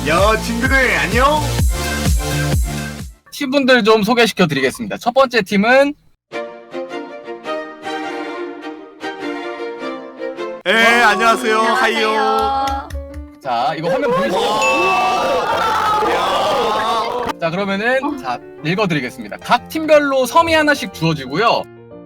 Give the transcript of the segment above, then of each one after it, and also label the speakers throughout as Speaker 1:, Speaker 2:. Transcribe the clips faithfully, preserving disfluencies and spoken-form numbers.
Speaker 1: 야 친구들 안녕.
Speaker 2: 팀분들 좀 소개시켜 드리겠습니다. 첫 번째 팀은
Speaker 1: 예 안녕하세요. 하이요.
Speaker 2: 자 이거 화면 보이시죠? 자 그러면은 자 읽어드리겠습니다. 각 팀별로 섬이 하나씩 주어지고요.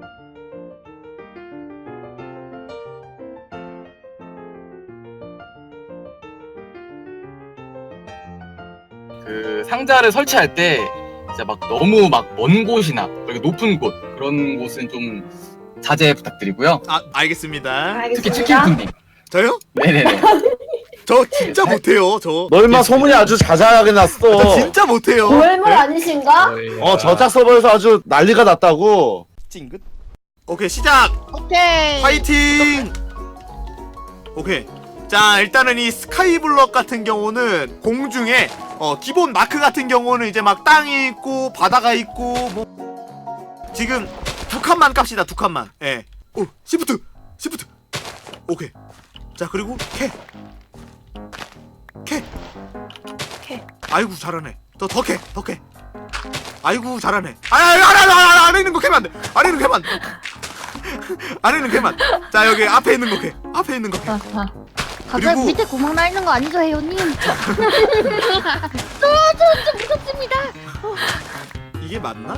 Speaker 2: 그 상자를 설치할 때 진짜 막 너무 막 먼 곳이나 그리고 높은 곳 그런 곳은 좀 자제 부탁드리고요.
Speaker 1: 아 알겠습니다.
Speaker 2: 특히 치킨쿤님.
Speaker 1: 저요?
Speaker 2: 네네네.
Speaker 1: 저 진짜 못해요. 저.
Speaker 3: 너 임마 소문이 아주 자자하게
Speaker 1: 저
Speaker 3: 났어.
Speaker 1: 진짜 못해요.
Speaker 4: 고엘물
Speaker 1: 네?
Speaker 4: 아니신가?
Speaker 3: 어 저작 서버에서 아주 난리가 났다고.
Speaker 1: 찡긋. 오케이 시작.
Speaker 4: 오케이.
Speaker 1: 파이팅. 오케이. 자 일단은 이 스카이블럭 같은 경우는 공중에 어 기본 마크 같은 경우는 이제 막 땅이 있고 바다가 있고 뭐 지금 두 칸만 깝시다. 두 칸만. 예. 오 시프트 시프트. 오케이. 자 그리고 캐. 캐.
Speaker 4: 캐.
Speaker 1: 아이고 잘하네. 더 더 캐. 더 캐. 아이고 잘하네. 아아아 아, 아래 있는 거 캐면 안 돼. 아래 있는 거 캐면 안 돼. 아래 있는 거 캐면 안 돼. 자 여기 앞에 있는 거 캐. 앞에 있는 거 캐.
Speaker 4: 아, 아. 갑자기
Speaker 1: 그리고-
Speaker 4: 밑에 구멍 나 있는 거 아니죠, 혜연님? 저저좀 무섭습니다.
Speaker 1: 이게 맞나?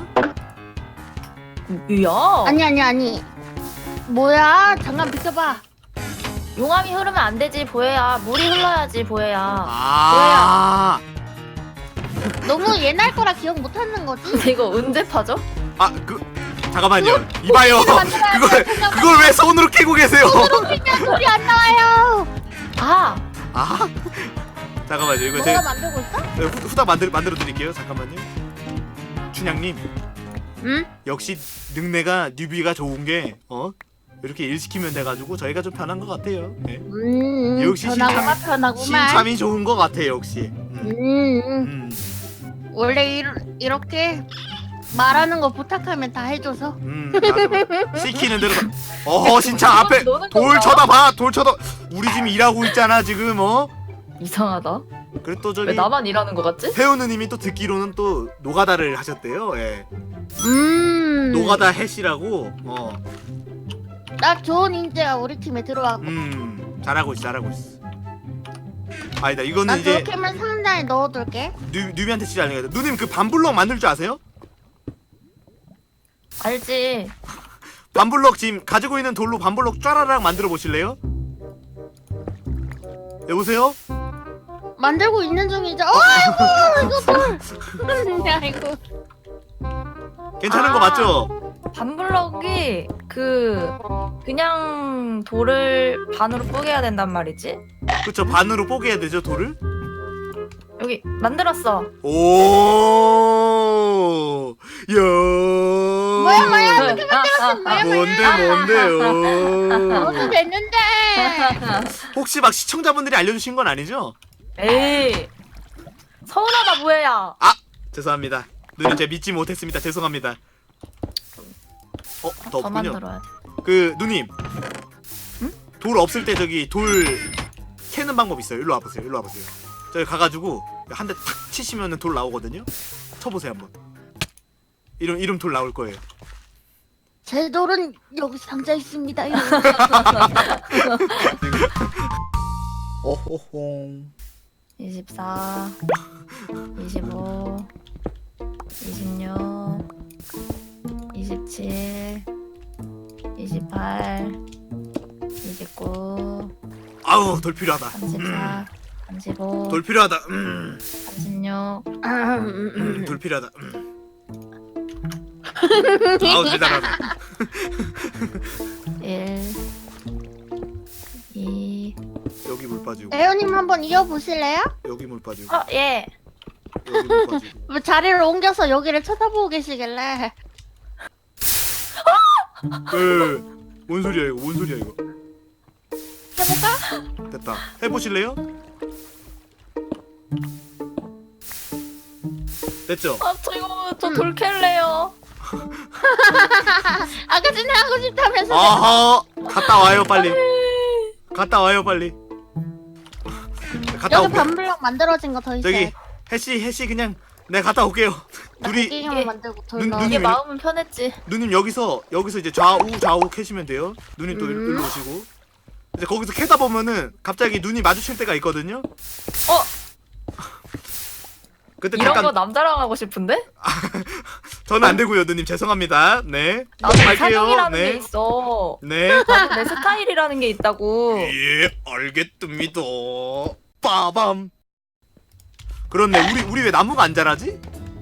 Speaker 5: 야,
Speaker 4: 아니 아니 아니. 뭐야? 잠깐 비켜봐.
Speaker 5: 용암이 흐르면 안 되지 보혜야. 물이 흘러야지 보혜야.
Speaker 1: 아.
Speaker 4: 너무 옛날 거라 기억 못 하는 거지?
Speaker 5: 이거 언제 파죠?
Speaker 1: 아, 그 잠깐만요. 이봐요.
Speaker 4: 만들어야
Speaker 1: 그걸
Speaker 4: 돼. 잠깐만.
Speaker 1: 그걸 왜 손으로 캐고 계세요?
Speaker 4: 그냥 소리 안 나와요.
Speaker 5: 아,
Speaker 1: 아. 잠깐만요. 이거
Speaker 4: 뭐가
Speaker 1: 제가
Speaker 4: 만들고 있어?
Speaker 1: 후, 후딱 만들 만들어 드릴게요. 잠깐만요. 춘향님,
Speaker 4: 응?
Speaker 1: 역시 능내가 뉴비가 좋은 게 어? 이렇게 일 시키면 돼 가지고 저희가 좀 편한 것 같아요. 네.
Speaker 4: 음.
Speaker 1: 역시
Speaker 4: 편하구만
Speaker 1: 신참-
Speaker 4: 편하구만.
Speaker 1: 신참이 좋은 것 같아요, 역시. 음.
Speaker 4: 음.
Speaker 1: 음.
Speaker 4: 원래 이, 이렇게 말하는 거 부탁하면 다 해줘서.
Speaker 1: 음. 맞아, 맞아. 시키는 대로. 다- 어, 신참 앞에
Speaker 5: 노는
Speaker 1: 돌
Speaker 5: 건가?
Speaker 1: 쳐다봐. 돌 쳐다. 우리 지금 일하고 있잖아, 지금 어?
Speaker 5: 이상하다.
Speaker 1: 그래 또
Speaker 5: 왜
Speaker 1: 저기
Speaker 5: 나만 일하는 거 같지?
Speaker 1: 태우느님이 또 듣기로는 또 노가다를 하셨대요. 예.
Speaker 4: 음.
Speaker 1: 노가다 해시라고. 어.
Speaker 4: 딱 좋은 인재가 우리 팀에 들어왔고.
Speaker 1: 음. 잘하고 있어. 잘하고 있어. 아니다. 이거는
Speaker 4: 나
Speaker 1: 이제
Speaker 4: 그렇게 하면 상자에 넣어둘게.
Speaker 1: 뉴 뉴비한테 진짜 알려야 돼. 누님 그 반블럭 만들 줄 아세요?
Speaker 5: 알지.
Speaker 1: 반블럭 지금 가지고 있는 돌로 반블럭 쫘라락 만들어 보실래요? 여보세요?
Speaker 4: 만들고 있는 중이죠. 어, 아이고 이거 뭘? 아이고.
Speaker 1: 괜찮은 거
Speaker 5: 아.
Speaker 1: 맞죠?
Speaker 5: 반블럭이 그 그냥 돌을 반으로 뽀개야 된단 말이지.
Speaker 1: 그쵸. 반으로 뽀개야 되죠, 돌을?
Speaker 5: 여기 만들었어.
Speaker 1: 오. 야.
Speaker 4: 뭐야 뭐야
Speaker 5: 아,
Speaker 4: 어떻게 만들었어? 뭐야 뭐야.
Speaker 1: 뭔데 뭔데요?
Speaker 4: 어떻게 됐는데?
Speaker 1: 혹시 막 시청자분들이 알려주신 건 아니죠?
Speaker 5: 에이, 서운하다 보혜야.
Speaker 1: 아! 죄송합니다. 누님 제가 믿지 못했습니다. 죄송합니다. 어? 더
Speaker 5: 더
Speaker 1: 없군요.
Speaker 5: 만들어야 돼.
Speaker 1: 그 누님 돌 없을 때 저기 돌 캐는 방법 있어요. 일로 와보세요. 일로 와보세요. 저기 가가지고 한 대 탁 치시면은 돌 나오거든요. 쳐보세요 한번. 이름 이름 돌 나올 거예요.
Speaker 4: 제 돌은 여기 상자 있습니다.
Speaker 1: 어호홍.
Speaker 5: 이십사, 이십오, 이십육, 이십칠, 이십팔, 이십구,
Speaker 1: 아우 돌 필요하다.
Speaker 5: 삼십사, 삼십오,
Speaker 1: 돌 필요하다. 음,
Speaker 5: 삼십육,
Speaker 1: 음, 돌 필요하다. 음. 아우 대단하다.
Speaker 5: 일, 이.
Speaker 1: 여기 물 빠지고
Speaker 4: 에어님 한번 이어보실래요?
Speaker 1: 여기 물 빠지고
Speaker 5: 어, 예.
Speaker 1: 여기 물 빠지고.
Speaker 4: 뭐 자리를 옮겨서 여기를 쳐다보고 계시길래.
Speaker 1: 그, 뭔 소리야 이거? 뭔 소리야 이거?
Speaker 4: 해볼까?
Speaker 1: 됐다. 해보실래요? 됐죠?
Speaker 5: 아, 저 이거 저
Speaker 4: 음.
Speaker 5: 돌 캘래요.
Speaker 4: 아까 전에 하고 싶다면서.
Speaker 1: 아하 갔다 와요 빨리. 갔다 와요 빨리. 갔다
Speaker 4: 여기
Speaker 1: 올게요.
Speaker 4: 반블럭 만들어진 거 더 있어요.
Speaker 1: 저기 해씨 해씨 그냥 내가 갔다 올게요. 둘이
Speaker 4: 고기만 만들고 돌
Speaker 1: 눈-
Speaker 4: 넣어.
Speaker 1: 눈이
Speaker 5: 이게
Speaker 1: 왜-
Speaker 5: 마음은 편했지.
Speaker 1: 누님 여기서 여기서 이제 좌우 좌우 캐시면 돼요. 누님 또
Speaker 4: 음.
Speaker 1: 일로 오시고 이제 거기서 캐다 보면은 갑자기 눈이 마주칠 때가 있거든요.
Speaker 5: 어?
Speaker 1: 그때
Speaker 5: 이런
Speaker 1: 잠깐
Speaker 5: 거 남자랑 하고 싶은데?
Speaker 1: 저는 안 되고요, 누님 죄송합니다. 네.
Speaker 5: 나도
Speaker 1: 갈게요.
Speaker 5: 사정이라는
Speaker 1: 네.
Speaker 5: 게 있어.
Speaker 1: 네.
Speaker 5: 나도 내 스타일이라는 게 있다고.
Speaker 1: 예, 알겠습니다. 빠밤. 그렇네. 우리 우리 왜 나무가 안 자라지?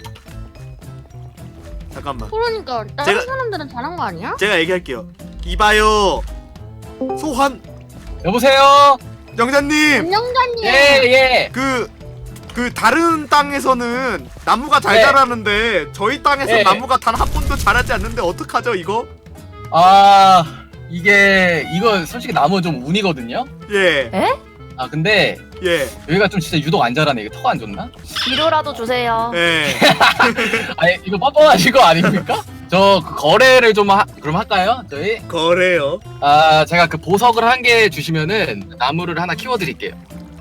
Speaker 1: 잠깐만.
Speaker 4: 그러니까 다른
Speaker 1: 제가-
Speaker 4: 사람들은 잘한 거 아니야?
Speaker 1: 제가 얘기할게요. 이봐요. 소환
Speaker 2: 여보세요?
Speaker 1: 영자님.
Speaker 4: 안녕자님.
Speaker 2: 예, 예.
Speaker 1: 그, 그 다른 땅에서는 나무가 잘
Speaker 2: 네.
Speaker 1: 자라는데 저희 땅에서
Speaker 2: 네.
Speaker 1: 나무가 단 한 번도 자라지 않는데 어떡하죠 이거?
Speaker 2: 아, 이게, 이거 솔직히 나무 좀 운이거든요?
Speaker 1: 예,
Speaker 2: 아, 근데
Speaker 1: 예,
Speaker 2: 여기가 좀 진짜 유독 안 자라네. 이게 터가 안 좋나?
Speaker 5: 뒤로라도 주세요.
Speaker 1: 예.
Speaker 2: 아니, 이거 뻔뻔하신 거 아닙니까? 저그 거래를 좀 하, 그럼 할까요? 저희?
Speaker 1: 거래요.
Speaker 2: 아, 제가 그 보석을 한 개 주시면은 나무를 하나 키워드릴게요.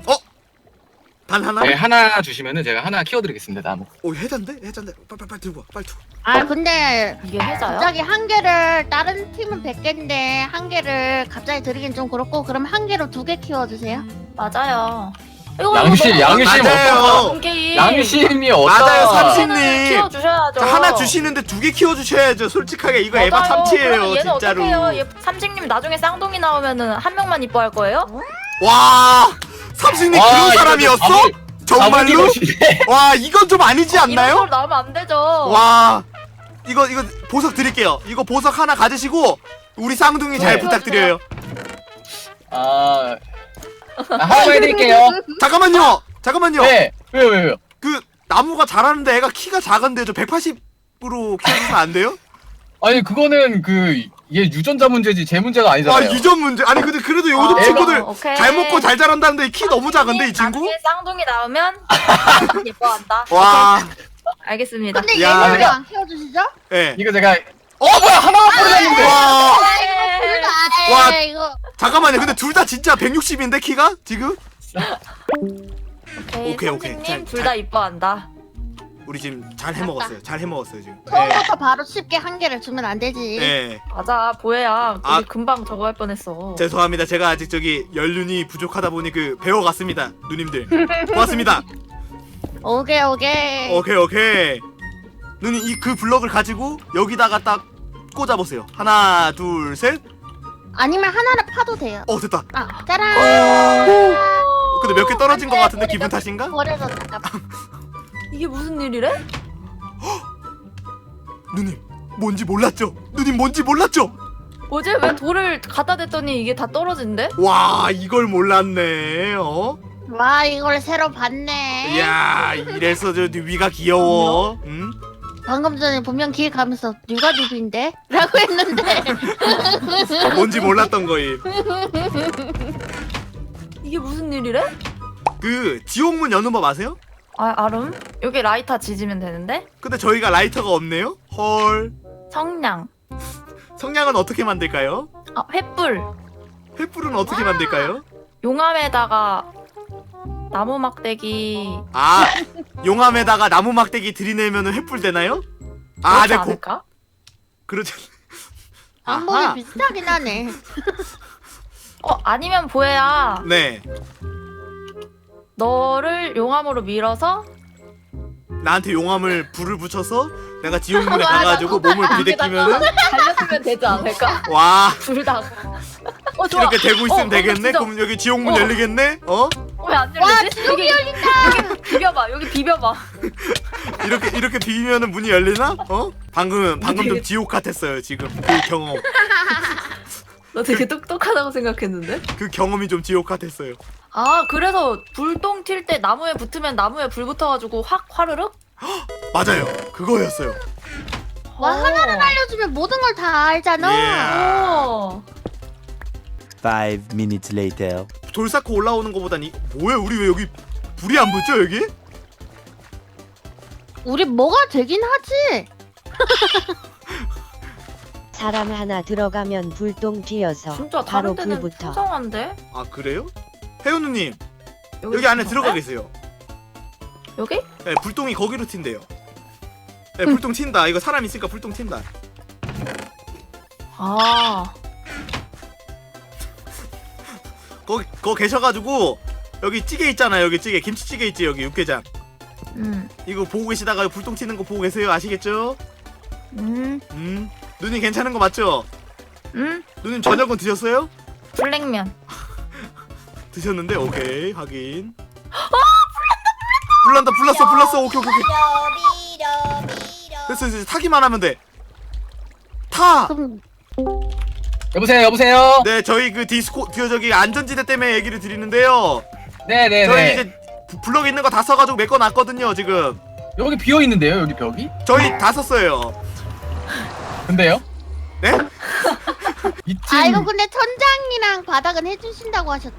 Speaker 1: 단 하나?
Speaker 2: 네, 하나 주시면은 제가 하나 키워드리겠습니다, 나무.
Speaker 1: 오 해잔데? 해잔데? 빨리 빨리 빨리 들고 와. 빨리 들고.
Speaker 4: 아 근데
Speaker 5: 이게 회자야?
Speaker 4: 갑자기 한 개를 다른 팀은 백 개인데 한 개를 갑자기 드리긴 좀 그렇고 그럼 한 개로 두 개 키워주세요.
Speaker 5: 맞아요. 이거
Speaker 2: 양심,
Speaker 5: 너무
Speaker 2: 양심
Speaker 1: 맞아요.
Speaker 2: 어떤
Speaker 5: 게임.
Speaker 2: 양심이 어떤
Speaker 1: 맞아요, 삼십-
Speaker 5: 삼촌은 키워주셔야죠.
Speaker 1: 자, 하나 주시는데 두 개 키워 주셔야죠. 솔직하게 이거 에바
Speaker 5: 맞아요.
Speaker 1: 참치예요,
Speaker 5: 그러면 얘는
Speaker 1: 진짜로.
Speaker 5: 어떡해요? 얘 삼식님 나중에 쌍둥이 나오면은 한 명만 이뻐할 거예요?
Speaker 1: 와, 삼식님
Speaker 2: 와,
Speaker 1: 그런
Speaker 2: 이거
Speaker 1: 사람이었어?
Speaker 2: 밥을-
Speaker 1: 정말로?
Speaker 2: 밥을 끼우시네.
Speaker 1: 와, 이건 좀 아니지
Speaker 5: 이런
Speaker 1: 않나요?
Speaker 5: 걸 나오면 안 되죠.
Speaker 1: 와, 이거 이거 보석 드릴게요. 이거 보석 하나 가지시고 우리 쌍둥이 잘
Speaker 2: 네.
Speaker 1: 부탁드려요.
Speaker 2: 아, 아, 하나만 해드릴게요.
Speaker 1: 잠깐만요. 잠깐만요.
Speaker 2: 네, 왜요, 왜요, 왜요?
Speaker 1: 그 나무가 자라는데 애가 키가 작은데 저 백팔십으로 키우면 안 돼요?
Speaker 2: 아니, 그거는 그, 이게 유전자 문제지, 제 문제가
Speaker 1: 아,
Speaker 2: 아니잖아요.
Speaker 1: 유전 문제. 아니 근데 그래도 요즘
Speaker 5: 아,
Speaker 1: 친구들
Speaker 5: 오케이.
Speaker 1: 잘 먹고 잘 자란다는데 키 너무 작은데 이 친구?
Speaker 5: 나중에 쌍둥이 나오면 예뻐한다.
Speaker 1: 와,
Speaker 5: 알겠습니다.
Speaker 4: 근데
Speaker 1: 야.
Speaker 4: 얘는 왜 안 키워주시죠?
Speaker 1: 예.
Speaker 2: 이거 제가, 어, 뭐야, 하나만 뿌리는데.
Speaker 1: 와,
Speaker 5: 네.
Speaker 1: 와.
Speaker 4: 아 이거
Speaker 1: 잠깐만요. 근데 둘 다 진짜 백육십인데 키가 지금?
Speaker 5: 오케이,
Speaker 1: 오케이, 오케이. 잘-
Speaker 5: 삼식님 둘 다 이뻐한다.
Speaker 1: 우리 지금 잘 해먹었어요. 잘 해먹었어요 지금. 예.
Speaker 4: 처음부터 바로 쉽게 한 개를 주면 안 되지.
Speaker 1: 예.
Speaker 5: 맞아, 보혜야. 우리
Speaker 1: 아.
Speaker 5: 금방 저거 할 뻔했어.
Speaker 1: 죄송합니다. 제가 아직 저기 연륜이 부족하다 보니 그 배워갔습니다. 누님들. 고맙습니다.
Speaker 4: 오케이 오케이.
Speaker 1: 오케이 오케이. 누님 이 그 블럭을 가지고 여기다가 딱 꽂아보세요. 하나 둘 셋.
Speaker 4: 아니면 하나를 파도 돼요.
Speaker 1: 어 됐다.
Speaker 4: 아 짜란.
Speaker 1: 근데 몇 개 떨어진 것 같은데 기분 탓인가?
Speaker 4: 버려서 잠깐.
Speaker 5: 이게 무슨 일이래?
Speaker 1: 누님 뭔지 몰랐죠? 누님 뭔지 몰랐죠?
Speaker 5: 어제 왜 돌을 갖다 댔더니 이게 다 떨어진대?
Speaker 1: 와 이걸 몰랐네. 어?
Speaker 4: 와 이걸 새로 봤네.
Speaker 1: 이야 이래서 저 위가 귀여워. 응?
Speaker 4: 방금 전에 분명 길 가면서 누가 누구인데? 라고 했는데
Speaker 1: 뭔지 몰랐던 거임.
Speaker 5: 이게 무슨 일이래?
Speaker 1: 그 지옥문 여는 법 아세요?
Speaker 5: 아, 아름? 여기 라이터 지지면 되는데?
Speaker 1: 근데 저희가 라이터가 없네요. 헐.
Speaker 5: 성냥.
Speaker 1: 성냥은 어떻게 만들까요?
Speaker 5: 아, 횃불.
Speaker 1: 횃불은 어떻게 만들까요?
Speaker 5: 용암에다가 나무 막대기.
Speaker 1: 아 용암에다가 나무 막대기 들이내면은 횃불 되나요? 아,
Speaker 5: 그렇지
Speaker 1: 네, 고,
Speaker 5: 않을까?
Speaker 1: 그렇죠.
Speaker 4: 방법이
Speaker 1: 아하.
Speaker 4: 비슷하긴 하네.
Speaker 5: 어, 아니면 보혜야.
Speaker 1: 네,
Speaker 5: 너를 용암으로 밀어서
Speaker 1: 나한테 용암을 불을 붙여서 내가 지옥문에
Speaker 4: 와, 나
Speaker 1: 가가지고 몸을 비대끼면은
Speaker 5: 달려주면 되지 않을까?
Speaker 1: 와
Speaker 5: 둘 다. 어, 좋아.
Speaker 1: 이렇게 되고 있으면
Speaker 5: 어,
Speaker 1: 되겠네.
Speaker 5: 진짜.
Speaker 1: 그럼 여기 지옥문
Speaker 5: 어.
Speaker 1: 열리겠네. 어?
Speaker 5: 왜 안 열리지? 여기 열린다. 여기 비벼봐. 여기 비벼봐.
Speaker 1: 이렇게 이렇게 비비면은 문이 열리나? 어? 방금 방금 좀
Speaker 5: 되게-
Speaker 1: 지옥 같았어요. 지금 그 경험
Speaker 5: 너 되게 똑똑하다고 생각했는데?
Speaker 1: 그 경험이 좀 지옥 같았어요.
Speaker 5: 아, 그래서 불똥 튈 때 나무에 붙으면 나무에 불 붙어가지고 확 화르륵?
Speaker 1: 맞아요. 그거였어요.
Speaker 4: 와
Speaker 5: 어.
Speaker 4: 하나를 알려주면 모든 걸 다 알잖아.
Speaker 1: 예.
Speaker 5: 오.
Speaker 6: Five minutes later.
Speaker 1: 돌 쌓고 올라오는 거보단 이 뭐야? 우리 왜 여기 불이 안 붙죠 여기?
Speaker 4: 우리 뭐가 되긴 하지.
Speaker 7: 사람 하나 들어가면 불똥 튀어서
Speaker 5: 진짜
Speaker 7: 바로
Speaker 5: 다른 데는
Speaker 7: 불부터.
Speaker 5: 풍성한데?
Speaker 1: 아 그래요? 혜윤우님 여기 안에
Speaker 5: 튄
Speaker 1: 들어가
Speaker 5: 건가요?
Speaker 1: 계세요.
Speaker 5: 여기?
Speaker 1: 네, 불똥이 거기로 튄대요. 네, 불똥 튄다. 이거 사람 있으니까 불똥 튄다.
Speaker 5: 아.
Speaker 1: 거기 거 계셔가지고 여기 찌개 있잖아요. 여기 찌개 김치찌개 있지 여기 육개장.
Speaker 5: 음.
Speaker 1: 이거 보고 계시다가 불똥 튀는 거 보고 계세요. 아시겠죠?
Speaker 5: 음.
Speaker 1: 음. 누님 괜찮은 거 맞죠?
Speaker 5: 음.
Speaker 1: 누님 저녁은 드셨어요?
Speaker 5: 블랙면.
Speaker 1: 드셨는데 오케이 확인. 아 불난다. 불난다 불났어 불났어. 오케이 오케이 오케이. 됐어 이제 타기만 하면 돼. 타.
Speaker 4: 그럼
Speaker 2: 여보세요 여보세요.
Speaker 1: 네 저희 그 디스코 그 저기 안전지대 때문에 얘기를 드리는데요.
Speaker 2: 네네네.
Speaker 1: 저희 이제 부- 블럭 있는 거 다 써가지고 메꿔놨거든요 지금.
Speaker 2: 여기 비어 있는데요 여기 벽이?
Speaker 1: 저희 다 썼어요.
Speaker 2: 근데요?
Speaker 1: 네?
Speaker 2: 이팀
Speaker 4: 아 이거 근데 천장이랑 바닥은 해주신다고 하셨.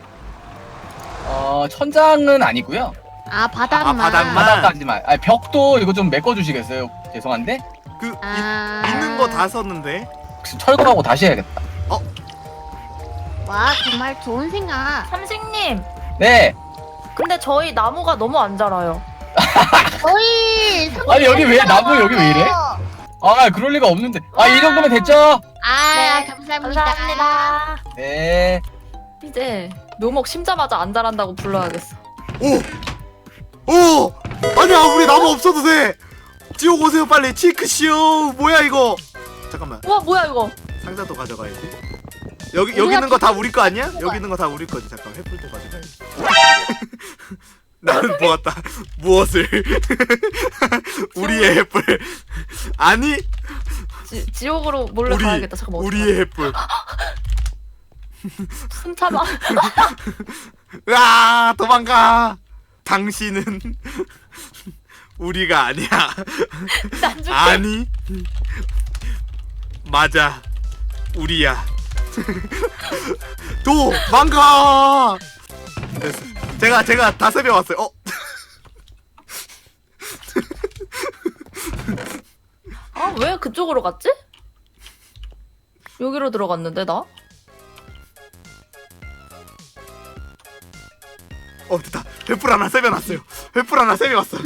Speaker 2: 어 천장은 아니고요.
Speaker 4: 아 바닥만.
Speaker 1: 아, 바닥만.
Speaker 2: 바닥까지만. 아 벽도 이거 좀 메꿔주시겠어요? 죄송한데
Speaker 1: 그
Speaker 4: 아.
Speaker 1: 이, 있는 거 다 썼는데.
Speaker 2: 혹시 철거하고 다시 해야겠다.
Speaker 4: 와 정말 좋은 생각.
Speaker 5: 삼식님.
Speaker 2: 네.
Speaker 5: 근데 저희 나무가 너무 안 자라요.
Speaker 4: 저희
Speaker 2: 아니, 여기 왜 나무 여기 왜 이래? 아 그럴 리가 없는데. 아 이 정도면 됐죠?
Speaker 4: 아
Speaker 5: 네,
Speaker 4: 감사합니다.
Speaker 5: 감사합니다.
Speaker 2: 네.
Speaker 5: 이제 묘목 심자마자 안 자란다고 불러야겠어.
Speaker 1: 오! 오! 아니야 우리 나무 없어도 돼. 지옥 오세요 빨리. 치크시오. 뭐야 이거? 잠깐만
Speaker 5: 우와 뭐야 이거?
Speaker 1: 상자도 가져가야지. 여기 여기
Speaker 4: 우리가
Speaker 1: 있는 거 다 우리 거 아니야? 여기 있는 거 다 우리 거지. 잠깐 횃불도 가져가야지. 나는 모았다. 무엇을? 우리의 횃불. 아니
Speaker 5: 지, 지옥으로 몰래
Speaker 1: 우리
Speaker 5: 가야겠다. 잠깐만.
Speaker 1: 우리의 횃불.
Speaker 5: 숨 참아.
Speaker 1: 으아 도망가. 당신은 우리가 아니야.
Speaker 5: 난 줄게.
Speaker 1: 아니 맞아 우리야. 도망가. 됐어. 제가 제가 다 세배 왔어요. 어?
Speaker 5: 아 왜 그쪽으로 갔지? 여기로 들어갔는데 나?
Speaker 1: 어 됐다. 횃불 하나 세배 놨어요. 횃불 하나 세배 왔어.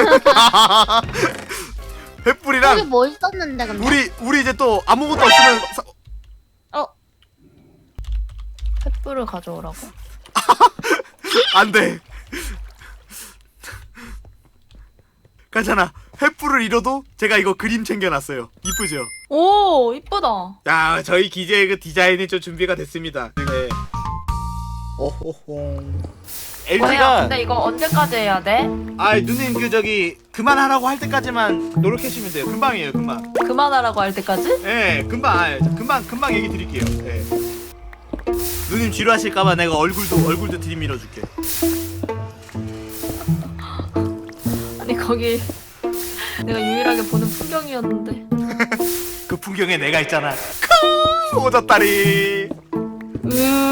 Speaker 4: 여기
Speaker 1: 횃불이랑
Speaker 4: 뭐 있었는데 근데.
Speaker 1: 우리 우리 이제 또 아무것도 없으면 사...
Speaker 5: 횃불을 가져오라고?
Speaker 1: 안 돼. 괜찮아. 횃불을 잃어도 제가 이거 그림 챙겨놨어요. 이쁘죠?
Speaker 5: 오 이쁘다.
Speaker 1: 야, 저희 기재의 그 디자인이 좀 준비가 됐습니다. 네. 오호홍.
Speaker 5: 뭐야?
Speaker 1: 엘지가
Speaker 5: 근데 이거 언제까지 해야 돼?
Speaker 1: 아, 누님 그 저기 그만하라고 할 때까지만 노력해 주시면 돼요. 금방이에요, 금방.
Speaker 5: 그만하라고 할 때까지?
Speaker 1: 예, 금방. 아, 금방 금방 얘기 드릴게요. 예. 누님 지루하실까봐 내가 얼굴도 얼굴도 들이밀어 줄게.
Speaker 5: 아니 거기 내가 유일하게 보는 풍경이었는데.
Speaker 1: 그 풍경에 내가 있잖아. 크, 오졌다리.
Speaker 5: 으.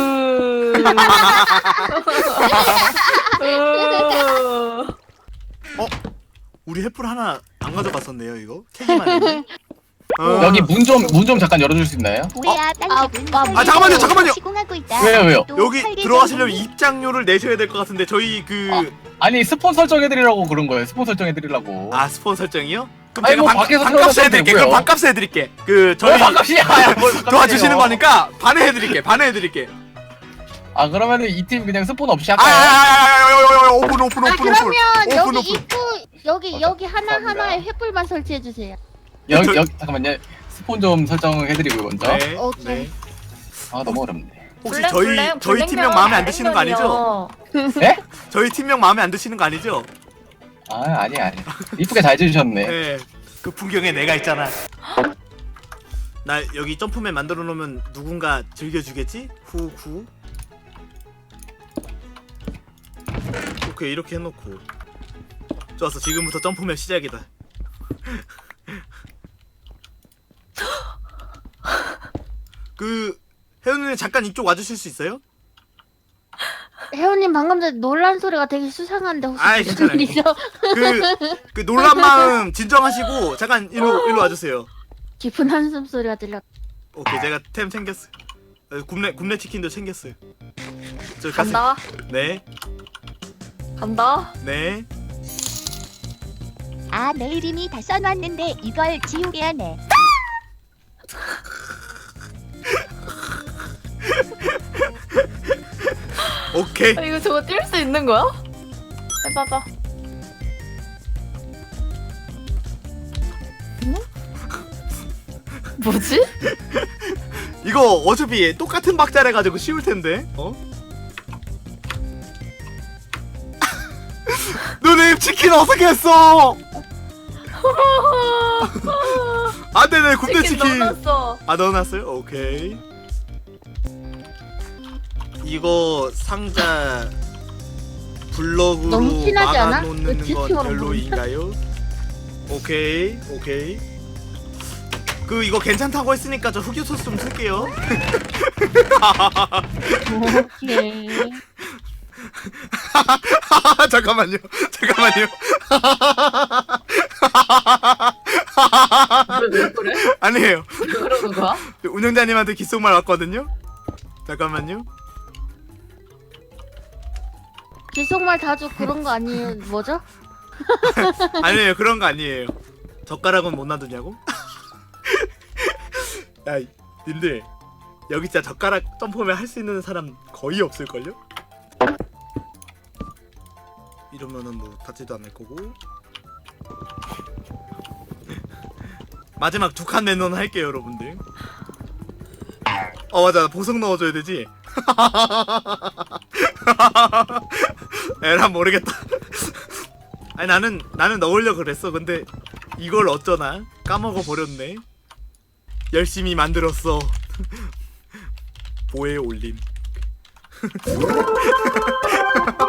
Speaker 5: 으.
Speaker 1: 어? 우리 횃불 하나 안 가져갔었네요, 이거. 캐기만 했네. 어.
Speaker 2: 여기 문 좀 문 좀 잠깐 열어줄 수 있나요?
Speaker 8: 우리야 딴
Speaker 4: 아,
Speaker 8: 집은
Speaker 4: 아,
Speaker 1: 아, 잠깐만요, 잠깐만요.
Speaker 8: 시공하고 있다.
Speaker 2: 왜요 왜요?
Speaker 8: 또
Speaker 1: 여기
Speaker 8: 할 일
Speaker 1: 들어가시려면
Speaker 8: 때문에
Speaker 1: 입장료를 내셔야 될 것 같은데 저희 그
Speaker 2: 아니 스폰 설정해드리라고 그런 거예요. 스폰 설정해드리려고.
Speaker 1: 아 스폰 설정이요? 그럼
Speaker 2: 아니,
Speaker 1: 제가
Speaker 2: 뭐
Speaker 1: 반,
Speaker 2: 밖에서
Speaker 1: 반값
Speaker 2: 들어가셔도
Speaker 1: 해드릴게. 그럼
Speaker 2: 되고요.
Speaker 1: 반값 해드릴게. 그
Speaker 2: 저희
Speaker 1: 저희
Speaker 2: 반값이야. 뭘 반값이에요.
Speaker 1: 도와주시는 거니까 반에 해드릴게. 반에 해드릴게.
Speaker 2: 아 그러면은 이 팀 그냥 스폰 없이
Speaker 1: 아,
Speaker 2: 할까요?
Speaker 1: 아, 오픈 오픈 오픈
Speaker 4: 아
Speaker 1: 오픈
Speaker 4: 그러면
Speaker 1: 오픈.
Speaker 4: 여기
Speaker 1: 오픈.
Speaker 4: 입구 여기 여기 하나
Speaker 2: 감사합니다.
Speaker 4: 하나에 횃불만 설치해 주세요.
Speaker 2: 여기
Speaker 1: 저-
Speaker 2: 여기 잠깐만요. 스폰 좀 설정해드리고 먼저.
Speaker 1: 네.
Speaker 4: 오케이.
Speaker 1: 네.
Speaker 2: 아 너무 어렵네.
Speaker 1: 혹시
Speaker 5: 블랙,
Speaker 1: 저희
Speaker 5: 블랙,
Speaker 1: 저희
Speaker 5: 블랙
Speaker 1: 팀명
Speaker 5: 명은
Speaker 1: 마음에 안 드시는 거 아니죠?
Speaker 5: 액면이요.
Speaker 2: 네?
Speaker 1: 저희 팀명 마음에 안 드시는 거 아니죠?
Speaker 2: 아 아니야 아니야. 이쁘게 잘 지으셨네.
Speaker 1: 네. 그 풍경에 내가 있잖아. 나 여기 점프맨 만들어 놓으면 누군가 즐겨주겠지? 후후. 오케이 이렇게 해놓고. 좋았어. 지금부터 점프맨 시작이다. 그 혜연님 잠깐 이쪽 와주실 수 있어요?
Speaker 4: 혜원님 방금 전에 놀란 소리가 되게 수상한데 혹시
Speaker 1: 아이,
Speaker 4: 무슨
Speaker 1: 괜찮아요.
Speaker 4: 일이죠?
Speaker 1: 그, 그 놀란 마음 진정하시고 잠깐 일로 일로 와주세요.
Speaker 4: 깊은 한숨 소리가 들려.
Speaker 1: 오케이 제가 템 챙겼어요. 어, 굽네 굽네 치킨도 챙겼어요. 저 가세요.
Speaker 5: 간다.
Speaker 1: 네.
Speaker 5: 간다.
Speaker 1: 네.
Speaker 8: 아, 내 이름이 다 써놨는데 이걸 지우게 하네.
Speaker 1: 오케이.
Speaker 5: 아, 이거 저거 뛸 수 있는 거야? 해봐봐. 응? 뭐지?
Speaker 1: 이거 어차피 똑같은 박자래 가지고 쉬울 텐데. 어? 누님 치킨 어떻게 했어? 안돼, 내 군대
Speaker 5: 치킨
Speaker 1: 치킨.
Speaker 5: 넣어놨어.
Speaker 1: 아, 넣어놨어요? 오케이. 이거 상자 블럭으로
Speaker 4: 너무 티나지 않아?
Speaker 1: 막아놓는
Speaker 4: 왜
Speaker 1: 건
Speaker 4: 지팅으로
Speaker 1: 별로인가요? 오케이, 오케이. 그 이거 괜찮다고 했으니까 저 흑유소스 좀 쓸게요.
Speaker 4: 오케이.
Speaker 1: 잠깐만요. 잠깐만요.
Speaker 5: 왜, 왜 그래?
Speaker 1: 아니에요.
Speaker 5: 왜 그러는 거야?
Speaker 1: 운영자님한테 귓속말 왔거든요. 잠깐만요.
Speaker 4: 기속말 자주 그런 거 아니에요? 뭐죠?
Speaker 1: 아니에요. 그런 거 아니에요. 젓가락은 못 놔두냐고? 야, 이- 님들 여기 진짜 젓가락 점프면 할 수 있는 사람 거의 없을걸요? 이러면은 뭐 닿지도 않을 거고. 마지막 두 칸 내놓은 할게요, 여러분들. 어, 맞아. 보석 넣어줘야 되지. 에란 모르겠다. 아니, 나는 나는 넣으려 그랬어. 근데 이걸 어쩌나 까먹어 버렸네. 열심히 만들었어. 보에 올림.